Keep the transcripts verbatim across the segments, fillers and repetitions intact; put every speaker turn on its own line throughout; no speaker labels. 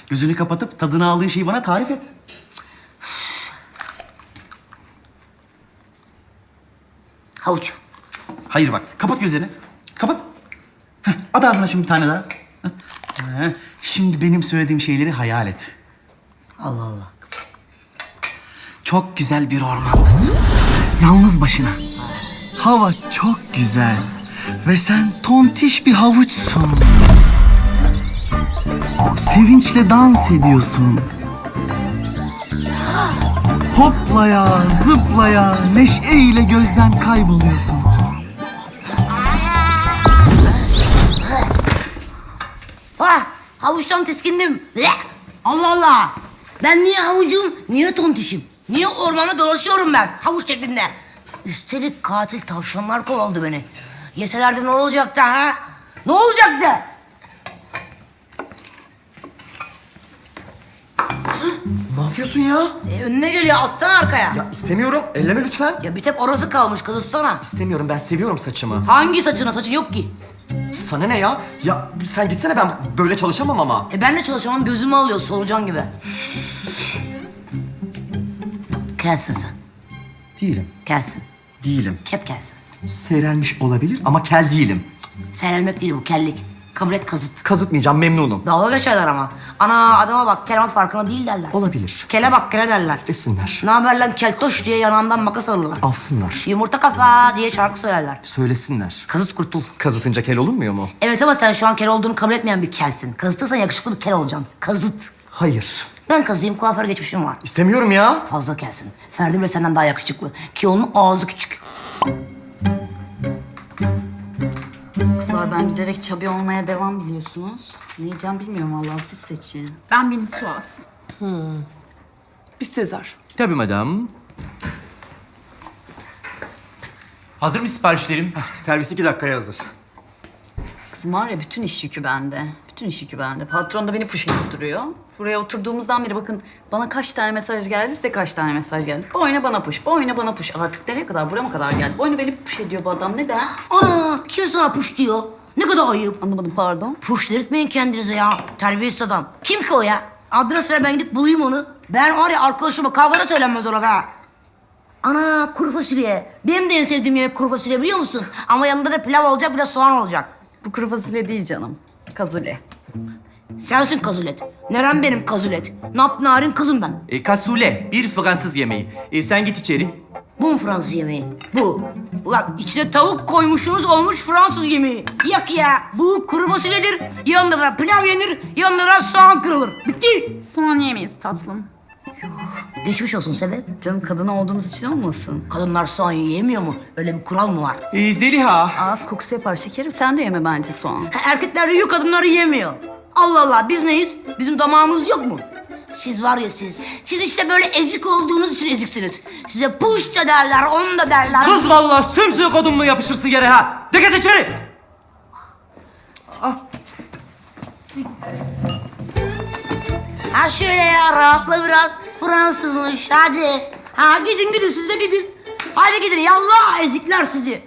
Gözünü kapatıp tadını aldığın şeyi bana tarif et.
Havuç.
Hayır bak, kapat gözlerini. Kapat. Heh, at ağzına şimdi bir tane daha. Heh, şimdi benim söylediğim şeyleri hayal et.
Allah Allah.
Çok güzel bir ormandasın. Yalnız başına. Hava çok güzel. Ve sen tontiş bir havuçsun. Sevinçle dans ediyorsun. Hoplaya, zıplaya, neşeyle gözden kayboluyorsun.
Ha, havuçtan tiskindim. Bleh! Allah Allah. Ben niye havucum, niye tontişim? Niye ormanda dolaşıyorum ben havuç şeklinde? Üstelik katil tavşanlar kovaladı beni. Yeselerdi ne olacaktı ha? Ne olacaktı?
Ne yapıyorsun ya?
E, önüne geliyor, atsana arkaya. Ya.
Ya istemiyorum. Elleme lütfen.
bir tek orası kalmış, kızıtsana.
İstemiyorum. Ben seviyorum saçımı.
Hangi saçına? Saçın yok ki.
Sana ne ya? Ya sen gitsene, ben böyle çalışamam ama.
E ben de çalışamam, gözümü alıyor solucan gibi. Kelsin sen.
Değilim.
Kelsin.
Değilim.
Kep kelsin.
Seyrelmiş olabilir ama kel değilim.
Seyrelmek değil bu, kellik. Kabul et, kazıt.
Kazıtmayacağım, memnunum.
Dalga geçerler ama. Ana adama bak, kel ama farkında değil derler.
Olabilir.
Kele bak, kele derler.
Desinler.
Ne haber lan keltoş diye yanağından makas alırlar.
Alsınlar.
Yumurta kafa diye şarkı söylerler.
Söylesinler.
Kazıt kurtul.
Kazıtınca kel olunmuyor mu?
Evet ama sen şu an kel olduğunu kabul etmeyen bir kelsin. Kazıtırsan yakışıklı bir kel olacaksın. Kazıt.
Hayır.
Ben kazıyım, kuaför geçmişim var.
İstemiyorum ya.
Fazla kelsin. Ferdi bile senden daha yakışıklı. Ki onun ağzı küçük.
Kızlar ben giderek çabi olmaya devam biliyorsunuz. Ne yiyeceğim bilmiyorum vallahi, siz seçin.
Ben Beni Suaz.
Biz Sezar.
Tabii madam. Hazır mı siparişlerim?
Servis iki dakikaya hazır.
Kızım var ya, bütün iş yükü bende. Bütün iş yükü bende. Patron da beni push edip duruyor. Buraya oturduğumuzdan beri bakın bana kaç tane mesaj geldi, size kaç tane mesaj geldi. Bu oyuna bana push, bu oyuna bana push. Artık nereye kadar, buraya mı kadar geldi? Bu oyuna beni push ediyor bu adam, neden?
Ana, kim sana puş diyor? Ne kadar ayıp.
Anlamadım, pardon.
Puş dedirtmeyin kendinize ya. Terbiyesiz adam. Kim ki o ya? Adres ver, ben gidip bulayım onu. Ben var ya, arkadaşıma kavgada söylenmez ona ha. Ana, kuru fasulye. Benim de en sevdiğim yemek kuru fasulye, biliyor musun? Ama yanında da pilav olacak, bir de soğan olacak.
Bu kuru fasulye değil canım. Kazule.
Sensin kazulet. Neren benim kazulet? Napnarin kızım ben.
E, kasule, bir Fransız yemeği. E, sen git içeri.
Bu mu Fransız yemeği? Bu. Ulan içine tavuk koymuşsunuz, olmuş Fransız yemeği. Yak ya. Bu kuru fasulyedir. Yanında da pilav yenir, yanında da soğan kırılır. Bitti.
Soğan yemeyiz tatlım.
Geçmiş olsun sebep.
Canım, kadın olduğumuz için olmasın?
Kadınlar soğan yiyemiyor mu? Öyle bir kural mı var?
E, Zeliha.
Ağız kokusu yapar şekerim. Sen de yeme bence soğan.
Ha, erkekler yiyor, kadınlar yiyemiyor. Allah Allah, biz neyiz? Bizim damağımız yok mu? Siz var ya siz, siz işte böyle ezik olduğunuz için eziksiniz. Size puş da derler, onu da derler.
Kız vallahi sümsüğü kodun mu yapışırsın yere ha? Dikkat içeri.
Ha şöyle ya, rahatla biraz. Fransızmış, hadi. Ha gidin gidin, siz de gidin. Hadi gidin, yallah ezikler sizi.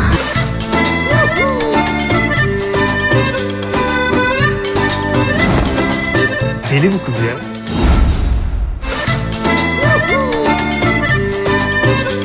Deli bu kız ya.